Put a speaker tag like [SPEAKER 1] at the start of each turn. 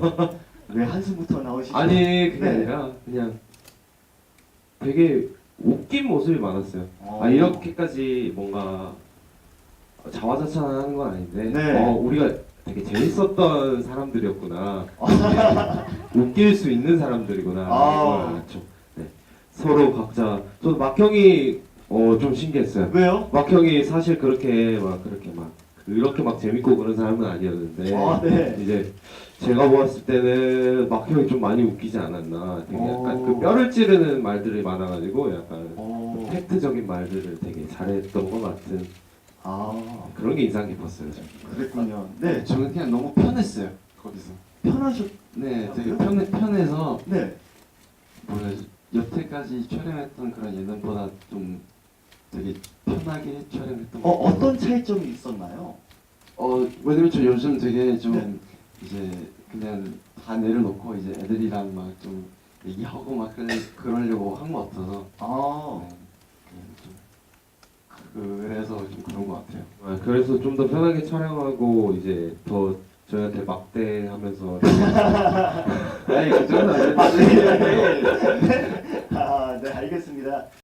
[SPEAKER 1] 왜 한숨부터 나오시죠?
[SPEAKER 2] 아니 그게
[SPEAKER 1] 네.
[SPEAKER 2] 아니라 그냥 되게 웃긴 모습이 많았어요.
[SPEAKER 1] 어.
[SPEAKER 2] 아 이렇게까지 뭔가 자화자찬하는 건 아닌데
[SPEAKER 1] 네.
[SPEAKER 2] 우리가 되게 재밌었던 사람들이었구나. 웃길 수 있는 사람들이구나.
[SPEAKER 1] 아.
[SPEAKER 2] 걸 알았죠. 네. 서로 각자 저도 막형이 좀 신기했어요.
[SPEAKER 1] 왜요?
[SPEAKER 2] 막형이 사실 그렇게 막 재밌고 그런 사람은 아니었는데
[SPEAKER 1] 아, 네.
[SPEAKER 2] 이제 제가 보았을 때는 막형이 좀 많이 웃기지 않았나. 되게 약간
[SPEAKER 1] 오.
[SPEAKER 2] 그 뼈를 찌르는 말들이 많아가지고 약간
[SPEAKER 1] 오.
[SPEAKER 2] 팩트적인 말들을 되게 잘했던 것 같은
[SPEAKER 1] 아,
[SPEAKER 2] 그런 게 인상 깊었어요. 저는.
[SPEAKER 1] 그랬군요. 네.
[SPEAKER 3] 저는 그냥 너무 편했어요 거기서.
[SPEAKER 1] 편하셨.
[SPEAKER 3] 네, 되게 편해서
[SPEAKER 1] 네.
[SPEAKER 3] 뭐야 여태까지 촬영했던 그런 예능보다 좀 되게 편하게 촬영했던 것 같아요.
[SPEAKER 1] 어떤 차이점이 있었나요?
[SPEAKER 3] 왜냐면 저 요즘 되게 좀
[SPEAKER 1] 네.
[SPEAKER 3] 이제 그냥 다 내려놓고 이제 애들이랑 막 좀 얘기하고 막 그러려고 한 것 같아서
[SPEAKER 1] 아,
[SPEAKER 3] 네, 그래서 좀 그런 것 같아요.
[SPEAKER 2] 그래서 좀 더 편하게 촬영하고 이제 더 저희한테 막대하면서
[SPEAKER 3] 아니 그 정도 아니에요.
[SPEAKER 1] 네. 아, 네, 알겠습니다.